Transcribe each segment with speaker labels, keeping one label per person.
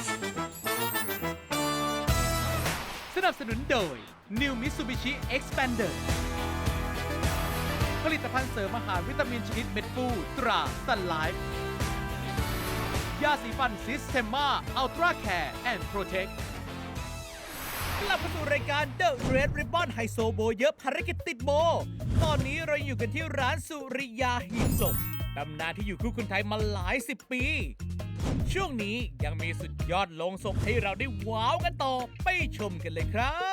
Speaker 1: สนับสนุนโดย New Mitsubishi Xpander ผลิตภัณฑ์เสริมอาหารวิตามินชนิดเม็ดฟูตรา Sun Life ยาสีฟันซิสเทมมาอัลตร้าแคร์แอนด์โปรเทคกลับมาสู่รายการ The Red Ribbon ไฮโซโบเยอะภารกิจติดโบ ตอนนี้เราอยู่กันที่ร้านสุริยาหีบศพตำนานที่อยู่คู่คนไทยมาหลายสิบปี ช่วงนี้ยังมีสุดยอดโลงศพให้เราได้ว้าวกันต่อไปชมกันเลยครับ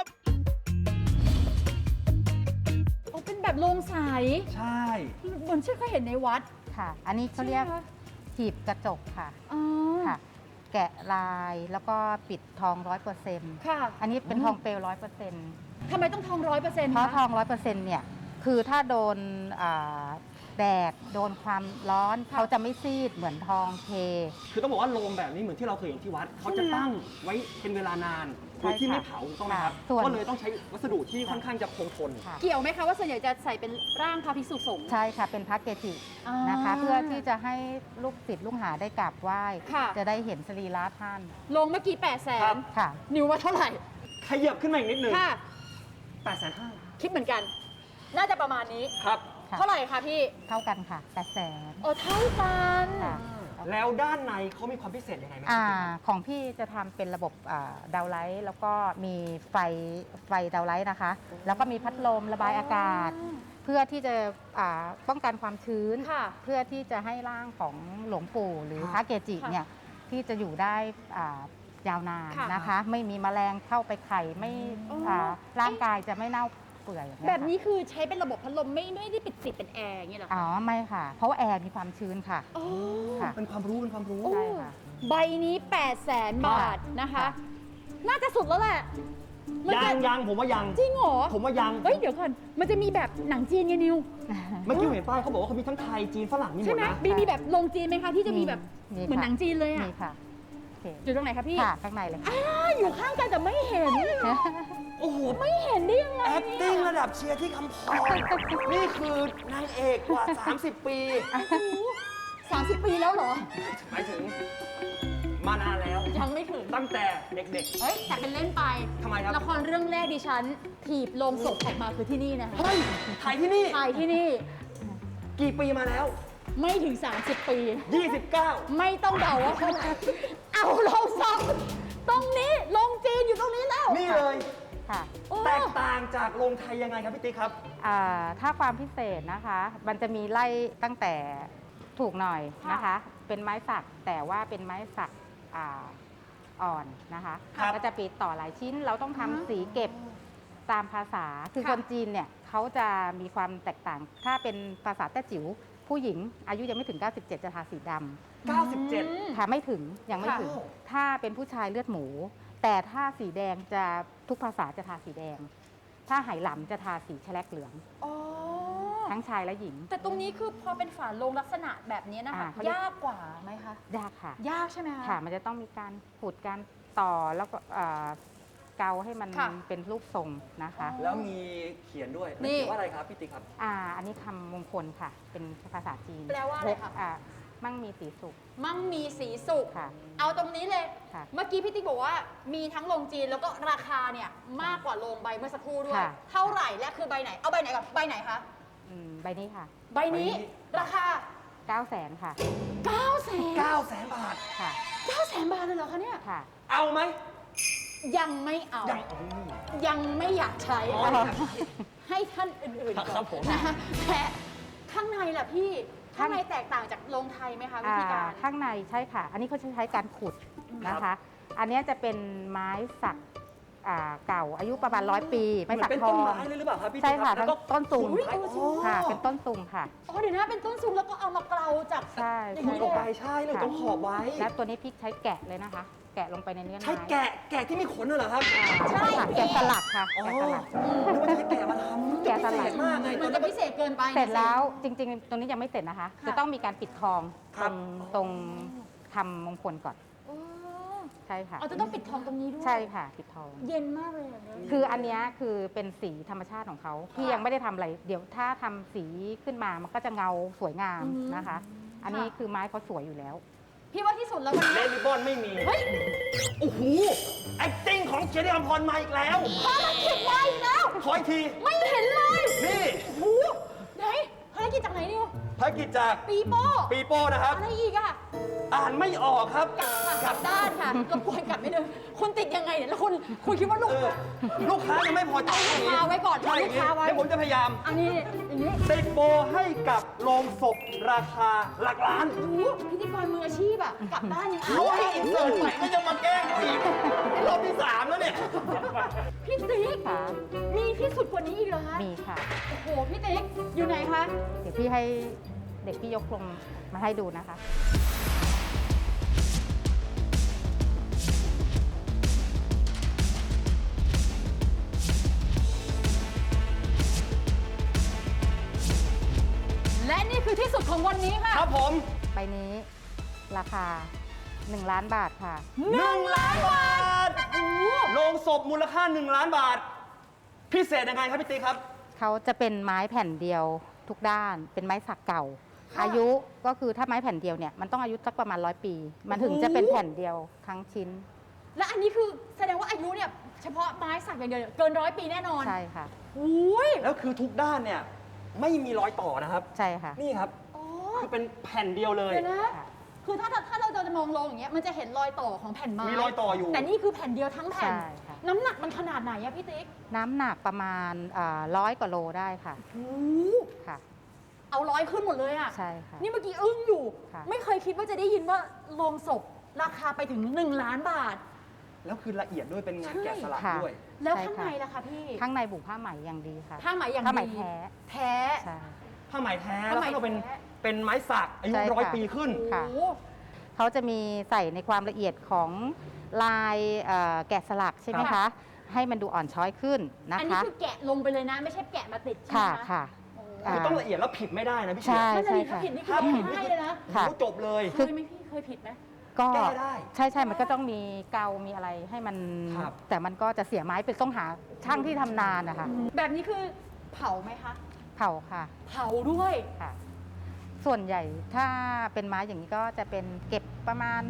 Speaker 2: โอ้เป็นแบบโรงใส
Speaker 3: ใช่
Speaker 2: เหมือนที่เคยเห็นในวัด
Speaker 4: ค่ะ อันนี้เขาเรียก
Speaker 2: ใช่ไหมคะ
Speaker 4: หีบกระจกค่ะ
Speaker 2: อ๋อ
Speaker 4: ค่ะ แกะลายแล้วก็ปิดทอง100%
Speaker 2: ค่ะ
Speaker 4: อันนี้เป็นทองเปลว100%
Speaker 2: ทำไมต้องทอง100%
Speaker 4: เพราะทอง100%เนี่ยคือถ้าโดนแดดโดนความร้อนเขาจะไม่ซีดเหมือนทองเท
Speaker 3: คือต้องบอกว่าโรงแบบนี้เหมือนที่เราเคยเห็นที่วัดเขาจะตั้งไว้เป็นเวลานานโดยที่ไม่เผาถูกต้องไหมครับ
Speaker 4: ส่วน
Speaker 3: ก็เลยต้องใช้วัสดุที่ค่อนข้างจะคงทน
Speaker 4: ค่ะ
Speaker 2: เกี่ยวไหมคะว่าส่วนใหญ่จะใส่เป็นร่างพระภิกษุสงฆ์
Speaker 4: ใช่ค่ะเป็นพระเกจิ
Speaker 2: อ่า
Speaker 4: นะคะ เพื่อที่จะให้ลูกศิษย์ลูกหาได้กราบไหว้
Speaker 2: ค่ะ
Speaker 4: จะได้เห็นสรีระท่าน
Speaker 2: ลงเมื่อกี้
Speaker 3: ครับ
Speaker 2: 800,000
Speaker 4: ค่ะ
Speaker 2: นิวว่าเท่าไหร่
Speaker 3: ขยับขึ้นมาอีกนิดนึง
Speaker 2: ค่ะ
Speaker 3: 850,000
Speaker 2: คิดเหมือนกัน น่าจะประมาณนี้
Speaker 3: ครับ
Speaker 4: ค่ะ
Speaker 2: เท่าไหร่คะพี่
Speaker 4: เท่ากันค่ะ800,000
Speaker 2: โอ้เท่ากัน
Speaker 4: ค่ะ
Speaker 3: แล้วด้านในเขามีความพิเศษยังไงไหมค
Speaker 4: อ่า
Speaker 3: รับ
Speaker 4: ของพี่จะทำเป็นระบบดาวไลท์แล้วก็มีไฟดาวไลท์นะคะ แล้วก็มีพัดลมระบายอากาศ เพื่อที่จะป้องกันความชื้น
Speaker 2: ค่ะ
Speaker 4: เพื่อที่จะให้ร่างของหลวงปู่หรือ
Speaker 3: ครับ
Speaker 4: พระเกจิ
Speaker 2: ค่ะ
Speaker 4: เนี่ยที่จะอยู่ได้ยาวนาน
Speaker 2: ค่ะ
Speaker 4: นะคะ ไม่มีแมลงเข้าไปไข่ไม่
Speaker 2: อ๋ออ่
Speaker 4: ร่างกายจะไม่เน่าเปื่อยอย่างเงี้ย
Speaker 2: แบบนี้
Speaker 4: ค่ะ
Speaker 2: คือใช้เป็นระบบพัดลมไม่ได้ปิดติดเป็นแอร์อย่างเงี้ยเหรอ
Speaker 4: อ๋อ
Speaker 2: คะ
Speaker 4: ไม่ค่ะ เพราะว่าแอร์มีความชื้นค่ะ
Speaker 2: โอ้
Speaker 4: ค่ะ
Speaker 3: เป็นความรู้เป็นความรู้
Speaker 2: โอ้
Speaker 4: ใช่ค่ะ
Speaker 2: ใบนี้ 800,000 บาทนะคะ
Speaker 4: ค่ะ
Speaker 2: น่าจะสุดแล้วแหละมันจะ
Speaker 3: ยังผมว่ายัง
Speaker 2: จริงเหรอ
Speaker 3: ผมว่ายัง
Speaker 2: เฮ้ย เดี๋ยวก่อน มันจะมีแบบหนังจีนไงนิว
Speaker 3: เมื่อกี้ผมเห็นป้ายเขาบอกว่าเขามีทั้งไทยจีนฝรั่งมีหม
Speaker 2: ใช่
Speaker 3: ด
Speaker 2: ไหม
Speaker 3: นะ
Speaker 2: มีแบบลงจีนไหมคะที่จะมีแบบ
Speaker 4: มี
Speaker 2: เหมือน
Speaker 4: ค่ะ
Speaker 2: หนังจีนเลยอ่ะ
Speaker 4: มีค่ะโอเค
Speaker 2: อยู่ตรงไหนคะพี่
Speaker 4: ค่ะข้างในเลยค่ะ
Speaker 2: อยู่ข้างกันแต่ไม่เห็น
Speaker 3: โอ้โห
Speaker 2: ไม่เห็นได้ยังไง
Speaker 3: acting ระดับเชียร์ที่คำพรนี่คือนางเอกกว่า 30 ปี
Speaker 2: 30 ปีแล้วเหรอ
Speaker 3: หมายถึงมานานแล้ว
Speaker 2: ยังไม่ถึง
Speaker 3: ตั้งแต่เด็ก
Speaker 2: เฮ้ย แต่เป็นเล่นไป
Speaker 3: ทำไมครับ
Speaker 2: ละครเรื่องแรกดิฉัน ถีบลงศพออกมาคือที่นี่นะคะ
Speaker 3: ๆ เฮ้ย ถ่ายที่นี่
Speaker 2: ถ่ายที่นี่
Speaker 3: กี่ปีมาแล้ว
Speaker 2: ไม่ถึง 30 ปี
Speaker 3: 29
Speaker 2: ไม่ต้องเดาว่าเท่าไหร่เอาลงซ้ำตรงนี้ลงจีนอยู่ตรงนี้แล้ว
Speaker 3: นี่เลย
Speaker 4: ค่ะ
Speaker 2: โอ้
Speaker 3: แตกต่างจากโรงไทยยังไงครับพี่ติ๊กครับ
Speaker 4: ถ้าความพิเศษนะคะ มันจะมีไล่ตั้งแต่ถูกหน่อยนะคะ เป็นไม้สักแต่ว่าเป็นไม้สักอ่อนนะคะ
Speaker 3: ครับ
Speaker 4: ก็จะปิดต่อหลายชิ้น เราต้องทำสีเก็บตามภาษา คือ
Speaker 2: ค่ะ
Speaker 4: คนจีนเนี่ยเขาจะมีความแตกต่าง ถ้าเป็นภาษาแต้จิ๋วผู้หญิงอายุยังไม่ถึง 97 จะทาสีดำ
Speaker 3: 97
Speaker 4: ค่ะไม่ถึงยังไม่ถึง
Speaker 3: ค่ะ
Speaker 4: ถ้าเป็นผู้ชายเลือดหมู แต่ถ้าสีแดงจะทุกภาษาจะทาสีแดง ถ้าไหหลำจะทาสีแฉลกเหลือง
Speaker 2: อ๋อ
Speaker 4: ทั้งชายและหญิง
Speaker 2: แต่ตรงนี้คือพอเป็นฝาโลงลักษณะแบบนี้นะคะ
Speaker 4: เขาเรียก
Speaker 2: ยากกว่าไหมคะ
Speaker 4: ยากค่ะ
Speaker 2: ยากใช่ไหมคะ
Speaker 4: ค่ะ มันจะต้องมีการขูดการต่อแล้วก็เกาให้มัน
Speaker 2: ค่ะ
Speaker 4: เป็นรูปทรงนะคะ
Speaker 3: แล้วมีเขียนด้วย
Speaker 2: นี่
Speaker 3: เขียนว่าอะไรครับพี่ติ๊กครับ
Speaker 4: อันนี้คำมงคลค่ะ เป็นภาษาจีน
Speaker 2: แปลว่าอะไรคะ
Speaker 4: มั่งมีสีสุข
Speaker 2: มั่งมีสีสุข
Speaker 4: ค่ะ
Speaker 2: เอาตรงนี้เลย
Speaker 4: ค่ะ
Speaker 2: เมื่อกี้พี่ติ๊กบอกว่ามีทั้งโรงจีนแล้วก็ราคาเนี่ยมากกว่าโรงใบเมื่อสักครู่ด้วย
Speaker 4: ค่ะ
Speaker 2: เท่าไหร่และคือใบไหน เอาใบไหนก่อน ใบไหนคะ
Speaker 4: ใบนี้ค่ะ
Speaker 2: ใบนี้
Speaker 3: ใบนี้
Speaker 2: ราคา
Speaker 4: 900,000ค่ะ
Speaker 2: 900,000
Speaker 3: 900,000 บาท
Speaker 4: ค่ะ
Speaker 2: 900,000 บาทเลยเหรอคะเนี่ย
Speaker 4: ค่ะ
Speaker 3: เอาไหม
Speaker 2: ยังไม่เอา ยังไม่อยากใช้
Speaker 3: อ๋อ
Speaker 2: ให้ท่านอื่นๆก่อน
Speaker 3: ครับผม
Speaker 2: นะคะแต่ข้างในล่ะพี่ ข้างในแตกต่างจากโรงไทยไหมคะวิธีการ
Speaker 4: ข้างในใช่ค่ะ อันนี้เขาจะใช้การขุดนะคะ อันเนี้ยจะเป็นไม้สักเก่าอายุประมาณ100 ปี
Speaker 3: เห
Speaker 4: ไม้
Speaker 3: มือ
Speaker 4: สั
Speaker 3: น
Speaker 4: ก
Speaker 3: เป็น
Speaker 4: ทอ
Speaker 3: ต้น
Speaker 4: ง
Speaker 3: ไม้เลยหรือเปล่าครับพี่
Speaker 4: ใช่
Speaker 3: ติ๊ก
Speaker 4: ค่ะ
Speaker 3: รับแล้วก็
Speaker 4: ต้นสูง
Speaker 3: ขุดไป
Speaker 4: ค่ะ เป็นต้นสูงค่ะ
Speaker 2: อ๋อเดี๋ยวนะเป็นต้นสูงแล้วก็เอามาเกลาจาก
Speaker 4: ใช่
Speaker 2: อย่าง
Speaker 3: ขุด
Speaker 2: นี้
Speaker 3: ออก
Speaker 2: เล
Speaker 3: ไป
Speaker 2: ย
Speaker 3: ใช่เลยต้องขอบไว้
Speaker 4: และตัวนี้พริกใช้แกะเลยนะคะ แกะลงไปในเนื้อไม้
Speaker 3: ใช้แกะที่มีขนน่ะเหรอครับ
Speaker 4: ใช่ค่ะแกะสลักค่ะ
Speaker 3: อ๋อ
Speaker 4: แกะสลัก
Speaker 3: นึกว่าใช้แกะมาทำ
Speaker 4: แกะสลัก
Speaker 3: พิเศษมากไง
Speaker 2: มันจะพิเศษเกินไป
Speaker 4: เสร็จแล้วจริง ๆ ตรงนี้ยังไม่เสร็จนะคะ
Speaker 2: ค่ะ
Speaker 4: จะต้องมีการปิดทอง
Speaker 3: ครั
Speaker 4: ต
Speaker 3: บ
Speaker 4: รงทำมงคลก่อน
Speaker 2: อ๋อ
Speaker 4: ใช่ค่ะ
Speaker 2: เอาจะต้องปิดทองตรงนี้ด้วย
Speaker 4: ใช่ค่ะปิดทอง
Speaker 2: เย็นมากเลยอะเนี่ย
Speaker 4: คืออันเนี้ยคือเป็นสีธรรมชาติของเขาที่ยังไม่ได้ทำอะไร เดี๋ยวถ้าทำสีขึ้นมามันก็จะเงาสวยงามนะคะ อันนี้คือไม้เขาสวยอยู่แล้ว
Speaker 2: พี่ว่าที่สุดแล้ววัน
Speaker 3: เล
Speaker 2: นี้
Speaker 3: นริบบอนไม่มี
Speaker 2: เฮ้ย
Speaker 3: โอ้โห acting ของเจนี่อภรณ์มาอีกแล้ว
Speaker 2: ภารกิจมาอีกแล้ว
Speaker 3: ขออีกที
Speaker 2: ไม่เห็นเลย
Speaker 3: นี่
Speaker 2: โอ้โหไหนภารกิจจากไหนนิว
Speaker 3: ภารกิจจาก
Speaker 2: ปีโป้
Speaker 3: ปีโป้นะครับ
Speaker 2: อะไรอีกอะ
Speaker 3: อ่านไม่ออกครับ
Speaker 2: กลับด้านค่ะรบกวนกลับไม่เดินคุณติดยังไงเนี่ยแล้วคุณคิดว่าลูก
Speaker 3: ลูกค้ายังไม่พอใจ
Speaker 2: เอาลูกค้าไว้ก่อน
Speaker 3: ใช่
Speaker 2: เอาลูกค้าไว้
Speaker 3: เดี๋ยวผมจะพยายาม
Speaker 2: อันนี้อย่างนี้
Speaker 3: ติดโบให้กับโรงศพราคาหลักล้าน
Speaker 2: โอ้โหพิธีกรมืออาชีพอะกลับด้านยัง
Speaker 3: เขาให้อินเสิร์ตใหม่ก็ยังมาแกล้งเขาอีกนี่รอบที่ 3 แล้วเนี่ย
Speaker 2: พี่ติ๊ก
Speaker 4: ค่ะ
Speaker 2: มีที่สุดกว่านี้อีกเหรอคะ
Speaker 4: มีค่ะ
Speaker 2: โอ้โหพี่ติ๊กอยู่ไหนคะ
Speaker 4: เดี๋ยวพี่ให้เด็กพี่ยกลงมาให้ดูนะคะ
Speaker 2: และนี่คือที่สุดของวันนี้ค่ะ
Speaker 3: ครับผม
Speaker 4: ใบนี้ราคา 1 ล้านบาทค่ะ
Speaker 3: 1 ล้านบาท
Speaker 2: โอ้โห
Speaker 3: โรงศพมูลค่า 1 ล้านบาท พิเศษยังไงครับพี่ติ๊กครับ
Speaker 4: เขาจะเป็นไม้แผ่นเดียวทุกด้าน เป็นไม้สักเก่า อายุก็คือถ้าไม้แผ่นเดียวเนี่ยมันต้องอายุสักประมาณ100 ปี มันถึงจะเป็นแผ่นเดียวทั้งชิ้น
Speaker 2: และอันนี้คือแสดงว่าอายุเนี่ยเฉพาะไม้สักอย่างเดียวเนี่ยเกิน100 ปีแน่นอน
Speaker 4: ใช่ค่ะ
Speaker 2: โอ้ย
Speaker 3: แล้วคือทุกด้านเนี่ยไม่มีรอยต่อนะครับ
Speaker 4: ใช่ค่ะ
Speaker 3: นี่ครับ
Speaker 2: อ๋อ
Speaker 3: คือเป็นแผ่นเดียวเลย
Speaker 2: เดี๋ยวนะ
Speaker 4: ค่ะ
Speaker 2: คือถ้าเราจะมองลงอย่างเงี้ยมันจะเห็นรอยต่อของแผ่นไม้
Speaker 3: มีรอยต่ออยู่
Speaker 2: แต่นี่คือแผ่นเดียวทั้งแผ่น
Speaker 4: ใช่ค่ะ
Speaker 2: น้ำหนักมันขนาดไหนอะพี่ติ๊ก
Speaker 4: น้ำหนักประมาณ100 กว่าโลได้ค่ะ
Speaker 2: โอ้
Speaker 4: ค่ะ
Speaker 2: เอา100ขึ้นหมดเลยอะ
Speaker 4: ใช่ค่ะ
Speaker 2: นี่เมื่อกี้อึ้งอยู่
Speaker 4: ค่ะ
Speaker 2: ไม่เคยคิดว่าจะได้ยินว่าโรงศพราคาไปถึง1 ล้านบาท
Speaker 3: แล้วคือละเอียดด้วยเป็นงานแกะสลัก
Speaker 4: ค่ะ
Speaker 3: ด้วย
Speaker 2: แล้ว
Speaker 4: ใช่
Speaker 2: ข้าง
Speaker 4: ค่ะ
Speaker 2: ในล่ะคะพี่
Speaker 4: ข้างในบุผ้าไหมอย่างดีค่ะ
Speaker 2: ผ้าไหมอย่าง
Speaker 4: ผ้าไหม
Speaker 2: ดี
Speaker 4: แท้
Speaker 2: แท้
Speaker 4: ใช่
Speaker 3: ผ้าไหมแท้
Speaker 2: ผ้า
Speaker 3: แล้ว
Speaker 2: ไหม
Speaker 3: ก็เป็น
Speaker 2: แท้
Speaker 3: เป็นไม้สักอายุ
Speaker 4: ใช่ค่ะ
Speaker 3: 100 ปีขึ้น
Speaker 4: ค่ะ
Speaker 2: โอ้โห
Speaker 4: เขาจะมีใส่ในความละเอียดของลายแกะสลักใช่ไหม
Speaker 2: ค่ะ
Speaker 4: คะ ให้มันดูอ่อนช้อยขึ้นนะ
Speaker 2: อันนี้
Speaker 4: คะ
Speaker 2: คือแกะลงไปเลยนะ ไม่ใช่แกะมาติดใช่ไหม
Speaker 4: ค่ะ
Speaker 2: คะ
Speaker 4: ค่ะ
Speaker 2: โอ้
Speaker 4: อ่า
Speaker 3: คือต้องละเอียดแล้วผิดไม่ได้นะพี่เชีย
Speaker 4: ใช่
Speaker 3: ร์
Speaker 2: นั่นน่ะดิ
Speaker 4: ค่ะ
Speaker 2: ถ้าผิดนี่คือ
Speaker 3: ถ้า
Speaker 2: ร้อง
Speaker 3: ผิด
Speaker 2: ไห้เลยนะ
Speaker 4: ค่ะ
Speaker 3: โอ้จบเลย
Speaker 2: เคยไหมพี่เคยผิดไหม
Speaker 4: ก็
Speaker 3: แก้ได้
Speaker 4: ใช่ใช่มันก็ต้องมีเกามีอะไรให้มัน
Speaker 3: ครับ
Speaker 4: แต่มันก็จะเสียไม้เป็นต้องหาช่างที่ทำนานนะคะ
Speaker 2: แบบนี้คือเผาไหมคะ
Speaker 4: เผาค่ะ
Speaker 2: เผาด้วย
Speaker 4: ค่ะ ส่วนใหญ่ถ้าเป็นไม้อย่างนี้ก็จะเป็นเก็บประมาณ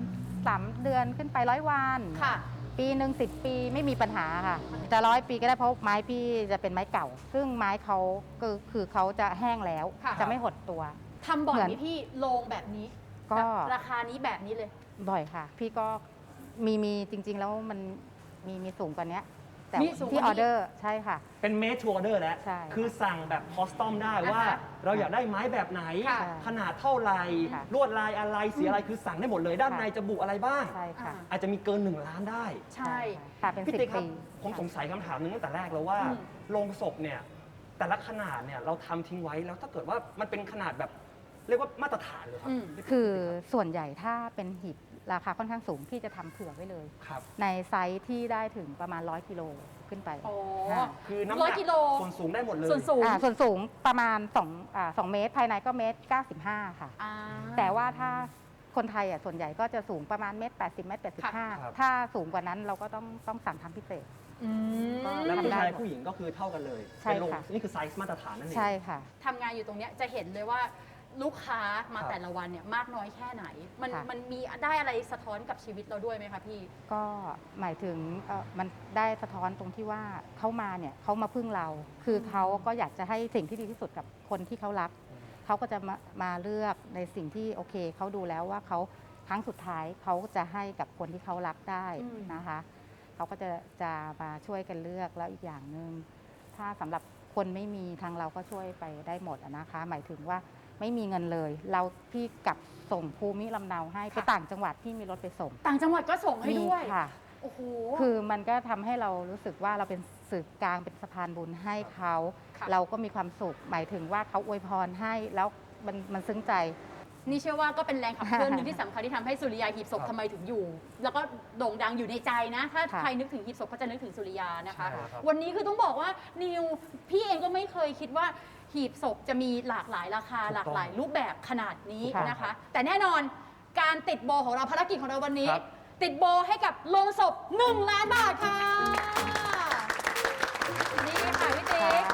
Speaker 4: 3 เดือนขึ้นไป100 วัน
Speaker 2: ค่ะ
Speaker 4: ปีหนึ่ง10 ปีไม่มีปัญหาค่ะจะ100 ปีก็ได้เพราะไม้พี่จะเป็นไม้เก่า ซึ่งไม้เขาคือเขาจะแห้งแล้ว
Speaker 2: ค่ะ
Speaker 4: จะไม่หดตัว
Speaker 2: ทำบ่อย
Speaker 4: เหมื
Speaker 2: ไหม
Speaker 4: อน
Speaker 2: พี่โรงแบบนี้
Speaker 4: ก็
Speaker 2: แบบราคานี้แบบนี้เลย
Speaker 4: บ่อยค่ะ พี่ก็มีจริง ๆ แล้วมันมีสูงกว่านี้แต่
Speaker 2: มีสูงกว่านี้
Speaker 4: ที่ออเดอร์ใช่ค่ะ
Speaker 3: เป็นเม d ทูออเดอร์แล้ว
Speaker 4: ใช่
Speaker 3: คือสั่งแบบคอสตอมได้ว่า
Speaker 2: อ่าฮะ
Speaker 3: เราอยากได้ไม้แบบไหน
Speaker 2: ค่ะ
Speaker 3: ขนาดเท่าไหร่
Speaker 4: ค่ะ
Speaker 3: ลวดลายอะไรสีอะไรคือสั่งได้หมดเลย ด้าน
Speaker 4: ค่ะ
Speaker 3: ในจะบุอะไรบ้าง
Speaker 4: ใช่ค่ะ
Speaker 3: อาจจะมีเกิน 1 ล้านได้
Speaker 2: ใช่
Speaker 4: ค่ะเป็น
Speaker 3: พี่
Speaker 4: 10
Speaker 3: ติ๊กครับ
Speaker 4: ปี
Speaker 3: ผมสงสัยคำถามหนึงตั้งแต่แรกแล้วว่า
Speaker 2: อืม
Speaker 3: โรงศพเนี่ยแต่ละขนาดเนี่ยเราทำทิ้งไว้แล้วถ้าเกิดว่ามันเป็นขนาดแบบเรียกว่ามาตรฐานเลยครับ
Speaker 2: อืม
Speaker 4: คือส่วนใหญ่ถ้าเป็นหีบราคาค่อนข้างสูงพี่จะทำเผื่อไว้เลย
Speaker 3: ครับ
Speaker 4: ในไซส์ที่ได้ถึงประมาณ100 กิโลขึ้นไป
Speaker 2: โอ้
Speaker 4: ค่ะ
Speaker 3: คือน้ำห
Speaker 2: ร้อ
Speaker 3: นั
Speaker 2: ย
Speaker 3: ก
Speaker 2: กิโล
Speaker 3: ส่วนสูงได้หมดเลย
Speaker 2: ส่วนสูง
Speaker 4: ส่วนสูงประมาณ2 เมตร ภายในก็เมตร 95 ค่ะ
Speaker 2: อ่า
Speaker 4: แต่ว่าถ้าคนไทยส่วนใหญ่ก็จะสูงประมาณเมตร 80 เมตร
Speaker 3: ครับ
Speaker 4: 85 ถ้าสูงกว่านั้นเราก็ต้องสั่งทำพิเศษ
Speaker 2: อืม
Speaker 3: แล้วผู้
Speaker 4: ทำได้
Speaker 3: ชายผู้หญิงก็คือเท่ากันเลย
Speaker 4: ใช่
Speaker 3: เป็นโรง
Speaker 4: ค่ะ
Speaker 3: นี่คือไซส์มาตรฐานนั่นเอง
Speaker 4: ใช่ค่ะ
Speaker 2: ทำงานอยู่ตรงเนี้ยจะเห็นเลยว่าลูกค้ามา
Speaker 3: ครับ
Speaker 2: แต่ละวันเนี่ยมากน้อยแค่ไหน
Speaker 4: ค่ะ
Speaker 2: มันมีได้อะไรสะท้อนกับชีวิตเราด้วยไหมคะพี่
Speaker 4: ก็หมายถึงมันได้สะท้อนตรงที่ว่าเขามาเนี่ยเขามาพึ่งเรา คือเขาก็อยากจะให้สิ่งที่ดีที่สุดกับคนที่เขารัก เขาก็จะมาเลือกในสิ่งที่โอเคเขาดูแล้วว่าเขาครั้งสุดท้ายเขาจะให้กับคนที่เขารักได้
Speaker 2: อืม
Speaker 4: นะคะเขาก็จะมาช่วยกันเลือกแล้วอีกอย่างหนึ่งถ้าสำหรับคนไม่มีทางเราก็ช่วยไปได้หมดอะนะคะ หมายถึงว่าไม่มีเงินเลย เราพี่กลับส่งภูมิลำเนาให้ไปต่างจังหวัดที่มีรถไปส่ง
Speaker 2: ต่างจังหวัดก็ส่งให้ด้วย
Speaker 4: มีค่ะ
Speaker 2: โอ้โห
Speaker 4: คือมันก็ทำให้เรารู้สึกว่าเราเป็นสื่อกลางเป็นสะพานบุญให้เขา
Speaker 2: ค่ะ
Speaker 4: เราก็มีความสุข หมายถึงว่าเขาอวยพรให้แล้วมันซึ้งใจ
Speaker 2: นี่เชื่อว่าก็เป็นแรงขับเคลื่อนหนึ่งที่สำคัญที่ทำให้สุริยาหีบศพ
Speaker 3: ครับ
Speaker 2: ทำไมถึงอยู่ แล้วก็โด่งดังอยู่ในใจนะ ถ้า
Speaker 4: ค่ะ
Speaker 2: ใครนึกถึงหีบศพก็จะนึกถึงสุริยานะคะ
Speaker 3: ใช่ครับ
Speaker 2: วันนี้คือต้องบอกว่านิวพี่เองก็ไม่เคยคิดว่าหีบศพจะมีหลากหลายราคา
Speaker 3: ถูกต้อง
Speaker 2: หลากหลายรูปแบบขนาดนี้
Speaker 4: ค่ะ
Speaker 2: นะคะ แต่แน่นอนการติดโบของเราภารกิจของเราวันนี้
Speaker 3: ครับ
Speaker 2: ติดโบให้กับโรงศพ1 ล้านบาทค่ะนี่ค่ะพี่ติ๊ก
Speaker 3: ว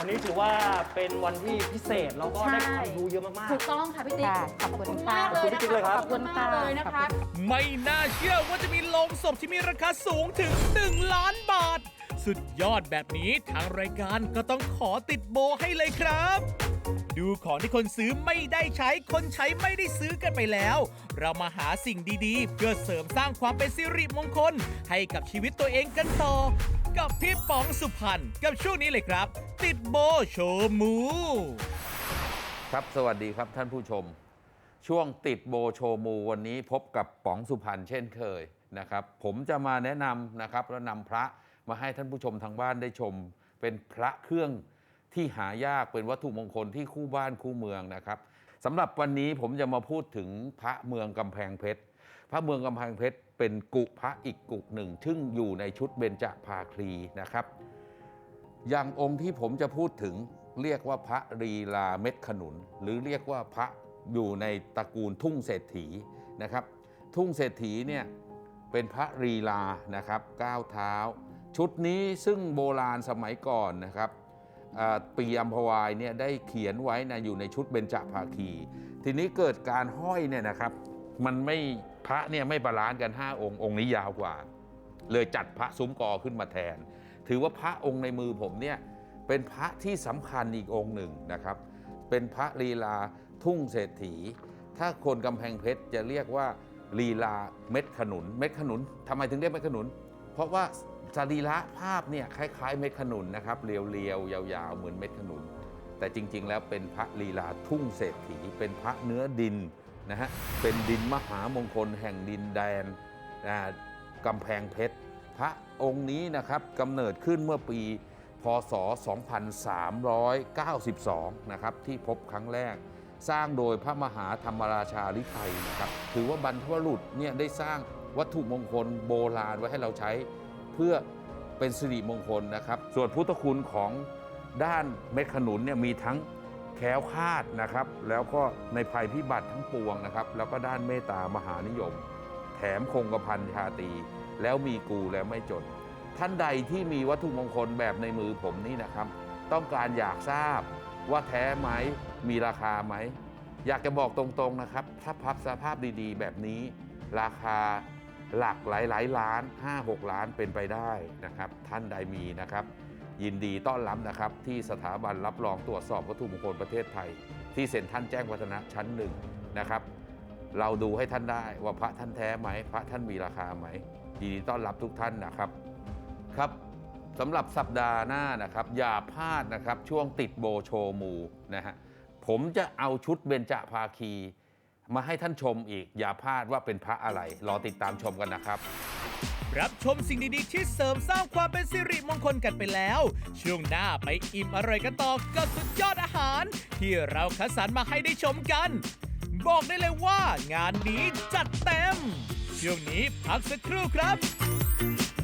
Speaker 3: วันนี้ถือว่าเป็นวันที่พิเศษเราก็ได้ความรู้เยอะมาก
Speaker 2: ถูกต้องค่ะพี่ติ๊ก
Speaker 4: ค่ะขอบคุณ
Speaker 2: มากเลย
Speaker 3: ขอบคุณพี่ติ๊กเลยครับ
Speaker 2: ขอบคุณมากเลยนะคะ
Speaker 1: ไม่น่าเชื่อว่าจะมีโลงศพที่มีราคาสูงถึง 1 ล้านบาท สุดยอดแบบนี้ทางรายการก็ต้องขอติดโบให้เลยครับ ดูของที่คนซื้อไม่ได้ใช้คนใช้ไม่ได้ซื้อกันไปแล้ว เรามาหาสิ่งดีๆ เพื่อเสริมสร้างความเป็นสิริมงคลให้กับชีวิตตัวเองกันต่อ กับพี่ป๋องสุพรรณกับช่วงนี้เลยครับ ติดโบโชว์มู
Speaker 5: ครับสวัสดีครับท่านผู้ชม ช่วงติดโบโชว์มูวันนี้พบกับป๋องสุพรรณเช่นเคยนะครับผมจะมาแนะนำนะครับและนำพระมาให้ท่านผู้ชมทางบ้านได้ชม เป็นพระเครื่องที่หายากเป็นวัตถุมงคลที่คู่บ้านคู่เมืองนะครับสำหรับวันนี้ผมจะมาพูดถึงพระเมืองกำแพงเพชรพระเมืองกำแพงเพชรเป็นกุพระอีกกุหนึ่งซึ่งอยู่ในชุดเบญจภาคีนะครับอย่างองค์ที่ผมจะพูดถึงเรียกว่าพระลีลาเม็ดขนุนหรือเรียกว่าพระอยู่ในตระกูลทุ่งเศรษฐีนะครับทุ่งเศรษฐีเนี่ยเป็นพระลีลานะครับก้าวเท้าชุดนี้ซึ่งโบราณสมัยก่อนนะครับปีอัมพวายเนี่ยได้เขียนไว้นะอยู่ในชุดเบญจภาคี ทีนี้เกิดการห้อยเนี่ยนะครับมันไม่พระเนี่ยไม่บาลานซ์กัน5องค์องค์นี้ยาวกว่าเลยจัดพระซุ้มกอขึ้นมาแทนถือว่าพระองค์ในมือผมเนี่ยเป็นพระที่สำคัญอีกองค์หนึ่งนะครับเป็นพระลีลาทุ่งเศรษฐีถ้าคนกำแพงเพชรจะเรียกว่าลีลาเม็ดขนุนเม็ดขนุนทำไมถึงเรียกเม็ดขนุนเพราะว่าสรีระภาพเนี่ยคล้ายๆเม็ดขนุนนะครับเรียวๆยาวๆเหมือนเม็ดขนุนแต่จริงๆแล้วเป็นพระลีลาทุ่งเศรษฐีเป็นพระเนื้อดินนะฮะเป็นดินมหามงคลแห่งดินแดนกำแพงเพชรพระองค์นี้นะครับกำเนิดขึ้นเมื่อปีพ.ศ. 2392นะครับที่พบครั้งแรกสร้างโดยพระมหาธรรมราชาฤทัยนะครับถือว่าบรรพบุรุษเนี่ยได้สร้างวัตถุมงคลโบราณไว้ให้เราใช้เพื่อเป็นสิริมงคลนะครับส่วนพุทธคุณของด้านเม็ดขนุนเนี่ยมีทั้งแคล้วคลาดนะครับแล้วก็ในภัยพิบัติทั้งปวงนะครับแล้วก็ด้านเมตตามหานิยมแถมคงกระพันชาตรีแล้วมีกูแล้วไม่จนท่านใดที่มีวัตถุมงคลแบบในมือผมนี่นะครับต้องการอยากทราบว่าแท้ไหมมีราคาไหมอยากจะบอกตรงๆนะครับถ้าพับสภาพดีๆแบบนี้ราคาหลักหลายล้าน 5-6 ล้านเป็นไปได้นะครับท่านใดมีนะครับยินดีต้อนรับนะครับที่สถาบันรับรองตรวจสอบวัตถุมงคลประเทศไทยที่เซ็นทรัลแจ้งวัฒนะชั้น1นะครับเราดูให้ท่านได้ว่าพระท่านแท้ไหมพระท่านมีราคาไหมยินดีต้อนรับทุกท่านนะครับครับสำหรับสัปดาห์หน้านะครับอย่าพลาดนะครับช่วงติดโบโชว์มูนะฮะผมจะเอาชุดเบญจภาคีมาให้ท่านชมอีกอย่าพลาดว่าเป็นพระอะไรรอติดตามชมกันนะครับ
Speaker 1: รับชมสิ่งดีๆที่เสริมสร้างความเป็นสิริมงคลกันไปแล้วช่วงหน้าไปอิ่มอร่อยกันต่อกับสุดยอดอาหารที่เราคัดสรรมาให้ได้ชมกันบอกได้เลยว่างานนี้จัดเต็มช่วงนี้พักสักครู่ครับ